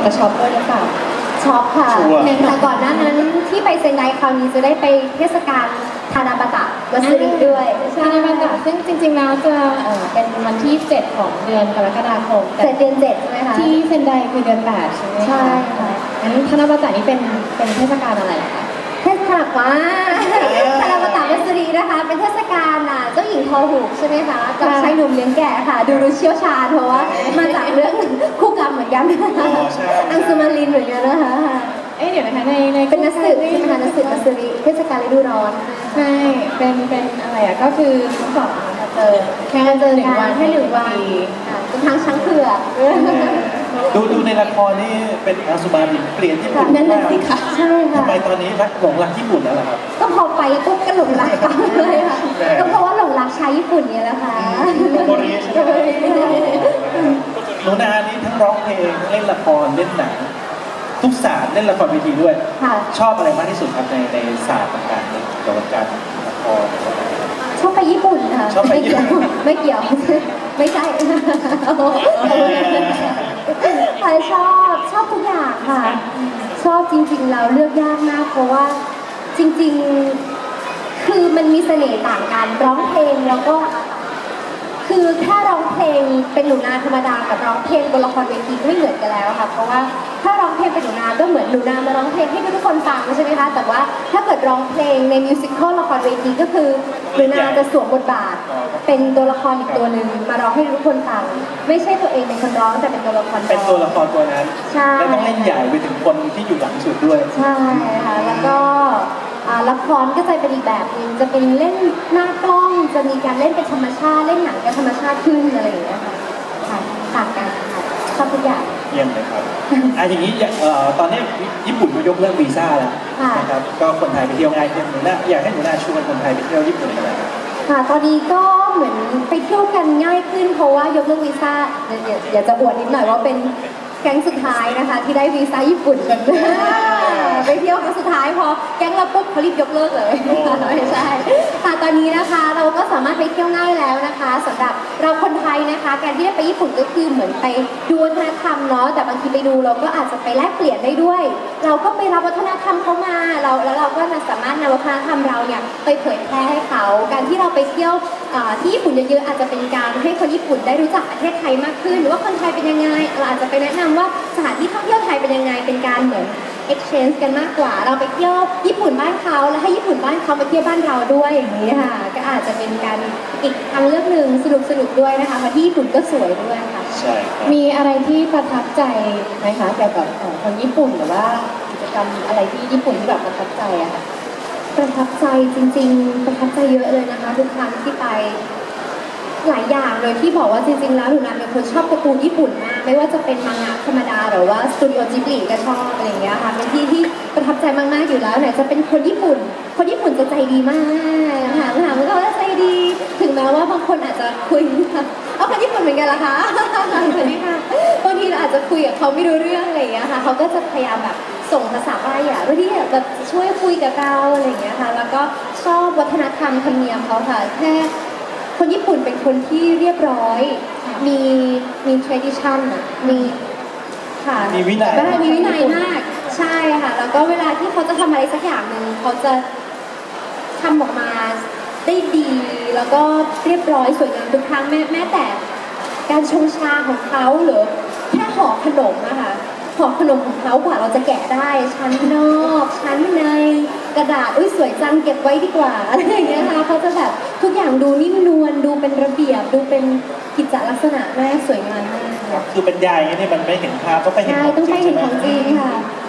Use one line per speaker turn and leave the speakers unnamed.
จะช็อปด้วยหรือเปล่า
ช็อปค่ะ
ชัวร์
แต่ก่อนหน้านั้นที่ไปเซนไดคราวนี้จะได้ไปเทศกาลทานาบาตะวัสดุด้วย
ใช่บรรยากาศซึ่งจริงๆแล้วจะเป็นวันที่ 7 ของเดือนกรกฎาคม
เสร็จเดือน7ใช่ไหมคะ
ที่เซนไดคือเดือน 8 ใช่ไหมคะ
ใช่ค่ะ
งั้นธนบัตรนี้เป็นเทศกาลอะไรคะ
เทศกาลว่าทานาบาตะวัสดุนะคะ เป็นเทศกาลเจ้าหญิงทอหูกใช่ไหมคะกับชายหนุ่มเลี้ยงแกะค่ะ ดูเชี่ยวชาญเพราะว่ามาจากเรื่องคู่กรรมเหมือนกัน
อ๋อใช่
อังสุมารินเหมือนกันนะคะ
เดี๋ยวนะคะใน
เป็นนักสืบใช่ไหมคะนักสืบวัสดุเทศกาลฤดูร้อน
ใช่เป็นอะไรอ่ะก็คือทั้งสองมาเจอแค่
เจอ
หนึ่ง
กั
วัน
นแค่1 วันเป็นทางช้างเผือก
ดูในละครนี่เป็นอังสุมารินเปลี่ยนญี่ปุ่น
นั่นแหละ
มาก
สิคะใช่ค่ะ
ทำไมตอนนี้หลงรักญี่ปุ่นแล้วล่ะครับ
ก็พอไปปุ๊บก็หลงรักกันเลยค่ะก็เพราะว่าหลงรักชายญี่ปุ่นเนี่ยแหละค่ะ
โมริใช่ไหมหนูนานี่ทั้งร้องเพลงทั้งเล่นละครเล่นหนังทุกศาสตร์เล่นละครเวทีด้วย
ค่ะ
ชอบอะไรมากที่สุดครับในศาสตร์ต่างๆในเกี่ยวกับการละคร
ชอบไปญี่ปุ่นค่ะ
ชอบไปญี่ปุ่น
ไม่เกี่ยว ไม่ใช่ค่ะชอบทุกอย่างค่ะ ชอบจริงๆแล้วเลือกยากมากเพราะว่าจริงๆคือมันมีเสน่ห์ต่างกันร้องเพลงแล้วก็ คือแค่ร้องเพลงเป็นหนูนาธรรมดากับร้องเพลงบนละครเวทีก็ไม่เหมือนกันแล้วค่ะเพราะว่าถ้าร้องเพลงเป็นหนูนาก็เหมือนหนูนามาร้องเพลงให้ทุกคนฟังใช่ไหมคะแต่ว่าถ้าเกิดร้องเพลงในมิวสิควลละครเวทีก็คือหนูนาจะสวมบทบาท เป็นตัวละครอีกตัวหนึ่งมาร้องให้ทุกคนฟังไม่ใช่ตัวเองเป็นคนร้องแต่เป็นตัวละครร้อง
เป็นตัวละครตัวนั้น
ใช่
แล้วต้องเล่นใหญ่ไปถึงคนที่อยู่หลังสุดด้วย
ใช่ค่ะแล้วก็ละครก็จะเป็นอีกแบบหนึงจะเป็นเล่นหน้ากล้องจะมีการเล่นเป็นธรรมชาติเล่นหนังเป็นธรรมชาติขึ้นอะไรอย่างเงี้ยค่ะค่ะต่างกันค่ะชอบทุกอย่าง
เยี่ยมเลยครับอย่างนี้ตอนนี้ญี่ปุ่นก็ยกเลิกวีซ่าแล้ว
ค่ะ
นะครับก็คนไทยไปเที่ยวง่ายขึ้นหนูนาอยากให้หนูนาชวนคนไทยไปเที่ยวญี่ปุ่นกันเลยครับ
ค่ะตอนนี้ก็เหมือนไปเที่ยวกันง่ายขึ้นเพราะว่ายกเลิกวีซ่าอยากจะอวดนิดหน่อยว่าเป็นแก๊งสุดท้ายนะคะที่ได้วีซ่าญี่ปุ่นกัน ไปเที่ยวครั้งสุดท้ายพอแก๊งเราปุ๊บเขารีบยกเลิกเลย ไม่ใช่ค่ะตอนนี้นะคะเราก็สามารถไปเที่ยวง่ายแล้วนะคะสำหรับเราคนไทยนะคะการที่ได้ไปญี่ปุ่นก็คือเหมือนไปดูวัฒนธรรมเนาะแต่บางทีไปดูเราก็อาจจะไปแลกเปลี่ยนได้ด้วย เราก็ไปรับวัฒนธรรมเขามาแล้วเราก็สามารถนำวัฒนธรรมเราเนี่ยไปเผยแพร่ให้เขาการที่เราไปเที่ยวที่ญี่ปุ่นเยอะๆอาจจะเป็นการให้คนญี่ปุ่นได้รู้จักประเทศไทยมากขึ้นหรือว่าคนไทยเป็นยังไงเราอาจจะไปแนะนำว่าสถานที่ท่องเที่ยวไทยเป็นยังไงเป็นการเหมือน exchange กันมากกว่าเราไปเที่ยวญี่ปุ่นบ้านเขาแล้วให้ญี่ปุ่นบ้านเขามาเที่ยวบ้านเราด้วยอย่างนี้ค่ะก็อาจจะเป็นการอีกทางเลือกหนึ่งสนุกด้วยนะคะเพราะที่ญี่ปุ่นก็สวยด้วยค่ะ
ใช่ครับ
มีอะไรที่ประทับใจไหมคะเกี่ยวกับคนญี่ปุ่นหรือว่ากิจกรรมอะไรที่ญี่ปุ่นที่แบบประทับใจอะค่ะ
ประทับใจจริงๆประทับใจเยอะเลยนะคะทุกครั้งที่ไปหลายอย่างเลยที่บอกว่าจริงๆแล้วหนูนาเป็นคนชอบการ์ตูนญี่ปุ่นมากไม่ว่าจะเป็นมังงะธรรมดาหรือว่าสตูดิโอจิบลิก็ชอบอะไรอย่างเงี้ยค่ะเป็นที่ที่ประทับใจมากๆอยู่แล้วไหนจะเป็นคนญี่ปุ่นจะใจดีมากถามมันก็ว่าใจดีถึงแม้ว่าบางคนอาจจะคุยเอาคนญี่ปุ่นเหมือนกันเหรอคะสวัสดีค่ะบางทีเราอาจจะคุยกับเขาไม่รู้เรื่องอะไรอย่างเงี้ยค่ะเขาก็จะพยายามแบบส่งภาษาใบ้อะเพื่อที่แบบช่วยคุยกับเราอะไรอย่างเงี้ยค่ะแล้วก็ชอบวัฒนธรรมธรรมเนียมเขาค่ะแค่คนญี่ปุ่นเป็นคนที่เรียบร้อยมี tradition อะมีค่ะ
มีวินัย
มีวินัยมากใช่ค่ะแล้วก็เวลาที่เขาจะทำอะไรสักอย่างหนึ่งเขาจะทำออกมาได้ดีแล้วก็เรียบร้อยสวยงามทุกครั้งแม้แต่การชงชาของเขาหรือแค่ห่อขนมอะค่ะห่อขนมของเขากว่าเราจะแกะได้ชั้นนอกชั้นในกระดาษอุ้ยสวยจังเก็บไว้ดีกว่าอะไรอย่างเงี้ยค่ะเขาจะแบบทุกอย่างดูนิ่มนวลดูเป็นระเบียบดูเป็นกิจลักษณะแม่สวยงามมากค่ะ
คือบรรยายอย่างนี้มันไม่เห็นภาพต้องไปเห็น
ใช่
ของ
ต้อง
จริ
ไป
ง
เห็
ใช่
น
ไหม
ของจริงค่ะ